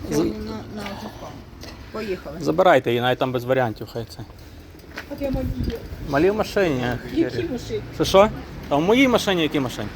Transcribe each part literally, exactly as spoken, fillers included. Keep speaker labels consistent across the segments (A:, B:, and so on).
A: На, на закон. Поїхали.
B: Забирайте її, навіть там без варіантів, хай це.
A: А де малі?
B: Малі в машині.
A: Які машини?
B: Що що? А в моїй машині які машині?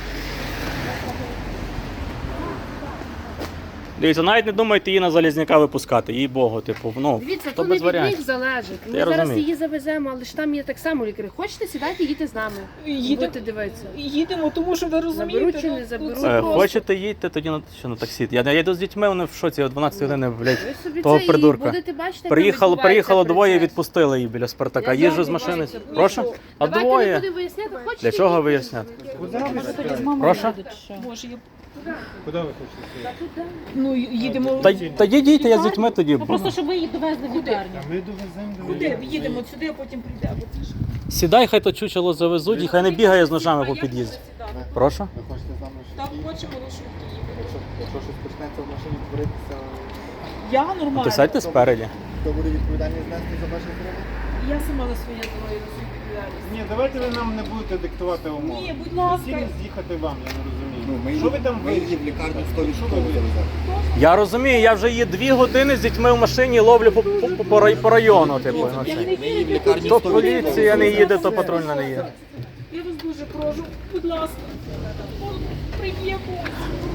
B: Дивіться, навіть не думайте її на Залізняка випускати, їй Богу, типу, ну,
C: Дивіться,
B: то
C: то
B: без
C: не від них
B: варіантів.
C: залежить. Ми
B: Я
C: зараз
B: розумію.
C: її завеземо, але ж там є так само лікарі. Хочете, сідайте, їдьте з нами.
A: Їдемо.
C: Будете дивитися.
A: Їдемо, тому що ви розумієте.
C: Заберуть чи
A: ну,
C: не
A: ну,
C: заберуть?
A: це
B: Е,
A: просто.
B: Хочете їдьте, тоді на, що на таксі. Я, я йду з дітьми, вони в шоці, о дванадцятій години, блядь,
C: Ви собі
B: того
C: це і
B: придурка.
C: будете бачити, як
B: Приїхало,
C: відбувається
B: приїхало двоє і
C: процес.
B: відпустили її біля Спартака.
C: Я
B: Їжджу
C: знаю,
B: з машини.
C: відбувається.
B: Прошу? А
C: Давайте не
B: двоє.
C: будемо виясняти, хочете.
B: Для чого
C: їдьте.
B: виясняти?
A: Мама
B: Прошу?
A: Боже, я...
D: Куди ви хочете?
A: Ну, їдемо.
B: Та, та їдіть, я з дітьми тоді.
E: Просто щоб ви їх довезли в лікарню.
D: А ми довеземо до
A: Куди? Їдемо сюди, а потім прийдемо.
B: Сідай, хай то чучело завезуть, і хай не бігає з ножами по під'їзді. Прошу?
D: Ви хочете з нами
A: Так,
D: швидкі?
A: хочемо лише.
D: Якщо, якщо щось почнеться в машині творитися,
A: Я нормально.
B: То сядьте спереді.
D: то буде відповідальність нести за ваше здоров'я?
A: Я сама за своє здоров'я несу відповідальність.
D: Ні, давайте ви нам не будете диктувати умови.
A: Ні, будь ласка.
D: Цілі з'їхати вам, я не розумію.
F: Ну, ми
D: Що ви там
F: ми її в лікарню сто відсотків завеземо.
B: Я розумію, я вже її дві години з дітьми в машині ловлю по, по, по, по, рай- по району. Типу, ну, це.
F: Ми її в лікарню
B: То
F: сто
B: поліція не їде, то патрульна не їде.
A: Я вас дуже прошу, будь ласка. Прийміть.